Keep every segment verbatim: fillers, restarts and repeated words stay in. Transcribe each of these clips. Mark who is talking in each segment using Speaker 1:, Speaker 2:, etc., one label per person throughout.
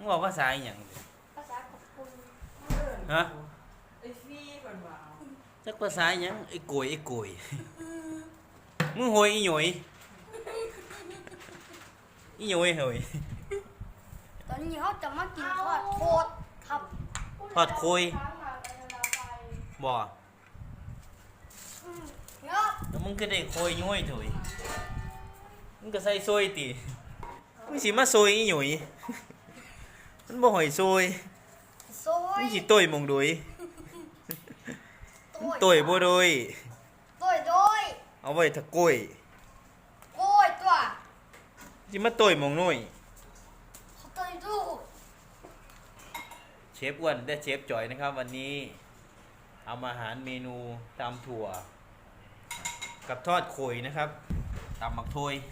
Speaker 1: มึงบอกภาษาอหย่าง
Speaker 2: ภาษาขอบคุณ
Speaker 1: ฮะ
Speaker 3: ไอ้ฟี่ก่อนว่า
Speaker 1: จักภาษาอหยังไอ้โกยไอ้โกยมึงโหยอีหยอยอีหยอยเฮ้ย
Speaker 2: ตอนนี้เขาจะมากินทอดโคตรครับ
Speaker 1: ทอดโคยบ่
Speaker 2: เนาะ
Speaker 1: แล้วมึงก็ได้โคยย้อยเถอยมึงก็ใส่ซอยติมึงสิมาซอยอีหยอยมันบ่หอยซอย
Speaker 2: ซอย
Speaker 1: มึงสิต้อยมองโดยต้อยบ่โดย
Speaker 2: ต้อยโดย
Speaker 1: เอาไว้ถ้าก้อย
Speaker 2: โก้ยตัว
Speaker 1: สิมาต้อยมองน้อย
Speaker 2: เขาต้อยดู
Speaker 1: เชฟอ้วนและเชฟจอยนะครับวันนี้เอามาอาหารเมนูตำถั่วกับทอดโขยนะครับตำหมักโทย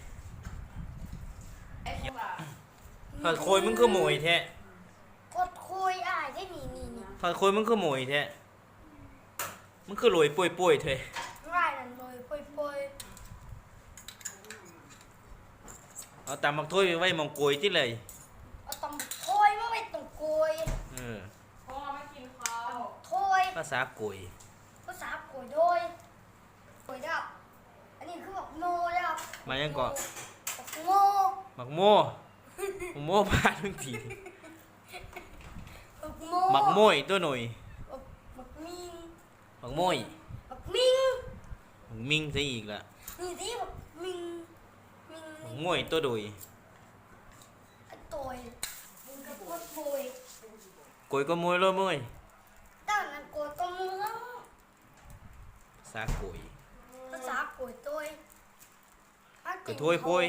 Speaker 1: ทอดโขยมึงคือหมวยแท้
Speaker 2: กดคุยอ่ะได้นี่นี่นี่
Speaker 1: ทอดโขยมึงคือหมวยแท้มึงคือโรยป่วยป่วยเถอะ
Speaker 2: ง่ายนั่นเลยป่วยป่วย
Speaker 1: เอาตำหมักโทยไว้มองโกยที่เลย
Speaker 2: เอาตำโทยมาไว้ตรงโกย
Speaker 1: เออ
Speaker 3: พ่อไม่กินข้าว
Speaker 2: โทย
Speaker 1: ภาษาโกย
Speaker 2: ภาษาโกยโดยโกยดับอันนี้คือแบบโมดับ
Speaker 1: มายังก่อน
Speaker 2: โม
Speaker 1: หมักโม่หมักโม่พาทุกทีหมักโม่ตัวหน่อย
Speaker 2: หมักมิง
Speaker 1: หมักโม่
Speaker 2: หมักมิง
Speaker 1: หมักมิงซะอีกละ
Speaker 2: นี่ที่หมักมิงมิง
Speaker 1: หมักโม่ตัวโดย
Speaker 2: ตัวมึงกับพวกโกย
Speaker 1: โกยก็โม่เลยโม่
Speaker 2: ด้านนั้นโกยตัวมึงแล้ว
Speaker 1: ภาษาโกย
Speaker 2: ภาษาโกยตัว
Speaker 1: กระถวยโพย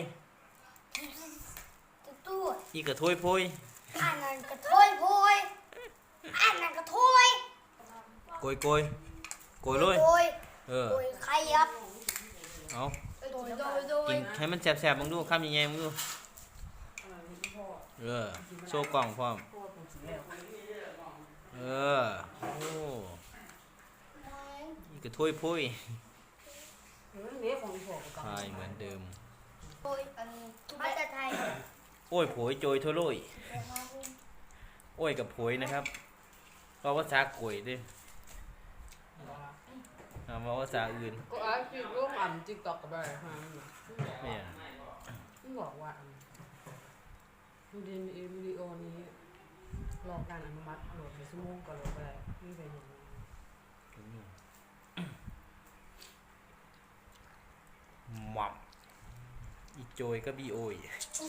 Speaker 2: ตัว
Speaker 1: อีกระถวยโพย
Speaker 2: อันนั้นกระถวยโพยอันนั้นกระถวย
Speaker 1: โกยโกยโกยเลยเออ
Speaker 2: โกยใครครับ
Speaker 1: เอา
Speaker 2: โดยโดยโดย
Speaker 1: กินให้มันแสบๆมึงดูข้ามยังไงมึงดูเออโซ่กล่องพร้อมเออโอ้อีกระถวยโพยทายเหมือนเดิม
Speaker 2: โอ้ยอันภาษาไทย
Speaker 1: โอ้ยโผยโจยทั่วโลยโอ้ยกับโผยนะครับเพราะภาษาโกยด้วยเอามาภาษาอื่น
Speaker 3: ก็อาชีพร่วมอันจิ๊กตอกกับอะไรฮะ
Speaker 1: เนี่ย
Speaker 3: ไม่บอกว่าวิดีโอวิดีโอนี้รอการอนุมัติโหลดในชั่วโมงก็โหลดไปไม่เป็นอย่างนี้
Speaker 1: หมับอีโจยก็บีโอย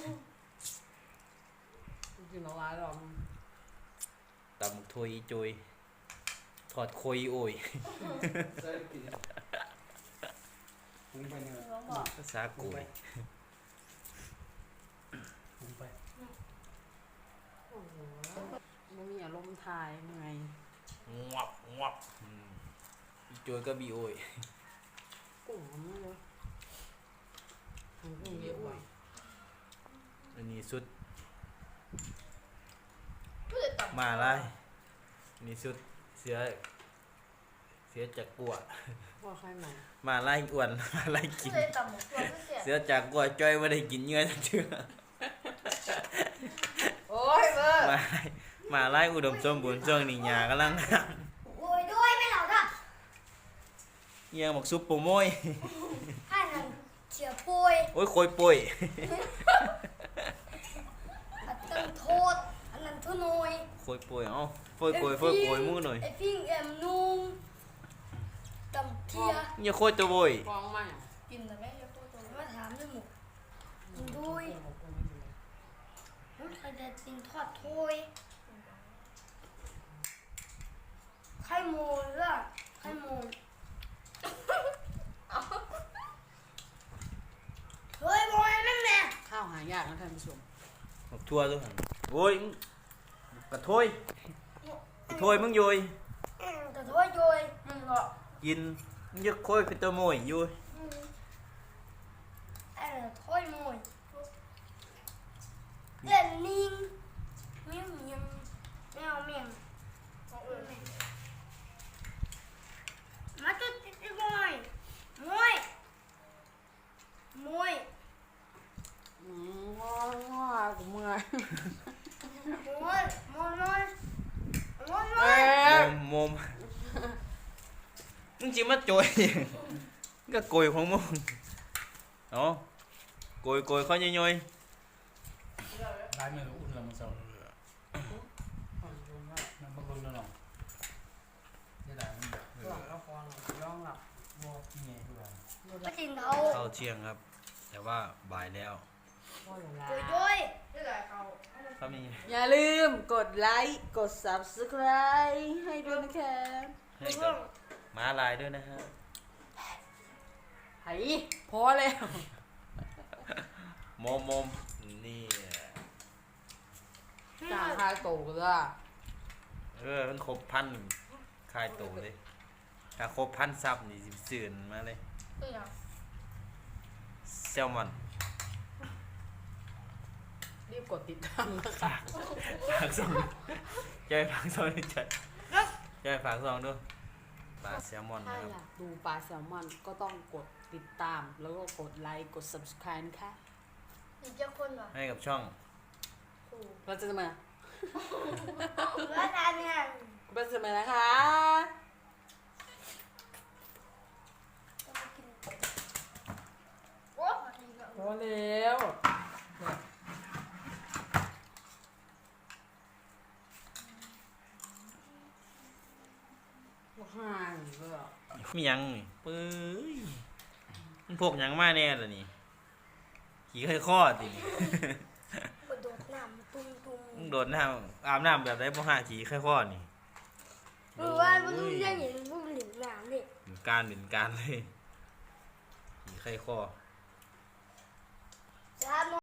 Speaker 3: กินอะไรหรอ
Speaker 1: ตำหมกโทยอีโจยถอดโคยโอยภาษาโกย
Speaker 3: มันมีอารมณ์ทายยังไง
Speaker 1: งวับงวับอีโจยก็บีโอย
Speaker 3: กุ้งมันเลย
Speaker 1: อันนี้สุดมาไล่อันนี้สุดเสือเสือจากกัว
Speaker 3: ว่าใครมา
Speaker 1: มาไล่อ้วนมาไล่กินเสือจากกัวจ้อยไม่ได้กินเนื้อทั้งเชื่อ
Speaker 3: โอ้ยเบอร์
Speaker 1: มามาไล่อุดมสมบูรณ์ช่วงนี้หญ้ากำลัง
Speaker 2: โอ้ยด้วยไม่เหล่าท่า
Speaker 1: เยี่ยงบอกซุปโปโมย
Speaker 2: อันนั้นเฉียป่วย
Speaker 1: โอ้ยโคยป่วย
Speaker 2: อันนั้นโทษอันนั้นทุนอย
Speaker 1: โคยป่วยเอ้าโคยโคยโคยโคยมือหน่อย
Speaker 2: ไอ้พิงแอมนุ่งตำเทีย
Speaker 1: อย่าโคยตัวบ่อย
Speaker 3: ฟองไหม
Speaker 2: กินแต่ไม่โคยตัวมาถามด้วยหมูกินด้วยมันใครจะกินทอดถ้วยไข่มูลล่ะไข่มูลเฮ้ยบอยนั่นแหละ
Speaker 3: ข้าวหายากนะท่านผู้ชม
Speaker 1: บักทั่วด้วยโอ้ยกระถ้วยกระถ้วยมึงโยย
Speaker 2: กระถ้วยโยยมึงก็
Speaker 1: กินมึงจะโคยคือตัวโมยโยย
Speaker 2: ไอ้ถ้วยโมยเล่นนิ่งเมียงเมียงแมวเมียงมาจุดติดมวยมวยมวย
Speaker 3: อืมง้อง้อกูเมื่อย
Speaker 2: มว
Speaker 1: จิมาโจย ก็โกยของมึงเนาะโกยโกยเขาย่อย
Speaker 4: ร้านเมืองอุ่นละมันเศร้า
Speaker 3: ผ่อนลงว่า
Speaker 4: มันบางคนละหน่อยได้ได้มันแบบ
Speaker 3: หลับแล้วพอหลับย่องหลับ
Speaker 4: วอกที่ไงทุกอย่าง
Speaker 2: ก็จริงเขา
Speaker 1: ๆเข้าเที่ยงครับ แต่ว่าบ่ายแล้ว
Speaker 3: พ่ออย่างไร
Speaker 2: โดยโดย
Speaker 1: เขามี
Speaker 3: อย่าลืมกดไลค์กด ซับสไครบ์ ให้ด้วยนะคะ
Speaker 1: ให้กับม้าลายด้วยนะฮะ
Speaker 3: ไห้พอแล้ว
Speaker 1: โมมโมมนี่
Speaker 3: จ่าคาโตก็ได้
Speaker 1: เออมันครบพันคายโตเลยถ้าครบพันซับนี่สิบสื่นมาเลยแซลมอน
Speaker 3: รีบกดติดตามนะคะ
Speaker 1: ฝากซองจะไปฝากซองด้วยใจจะไปฝากซองด้วยปลาแซลมอน
Speaker 3: ถ้า
Speaker 1: นะครับ
Speaker 3: อยากดูปลาแซลมอนก็ต้องกดติดตาม แล้วก็กดไลค์กด ซับสไครบ์ นะคะ
Speaker 2: อีกเจ้าคนเหรอ
Speaker 1: ให้กับช่อง
Speaker 3: เราจะมา
Speaker 2: ว่าทานเนี่ย
Speaker 3: เราจะมานะคะ
Speaker 2: โอ้
Speaker 3: พอแล้วห่างเลยอ่ะ
Speaker 1: มีหยังนี่ปื้ยมันพวกหยังมาแน่ล่ะนี่ขี่ไข้ข้อตินี่
Speaker 2: กระโดดน้ำตุ้มตุ้ม
Speaker 1: มึงโดดน้ำอาบน้ำแบบไรบ่ห่าขี่ไข้ข้อนี่
Speaker 2: หรือว่ามันต้องเรียกอย่างนี้พวกหลิงน้ำนี่
Speaker 1: เป็นการเป็นการเลยขี่ไข้ข้อ
Speaker 2: จ้า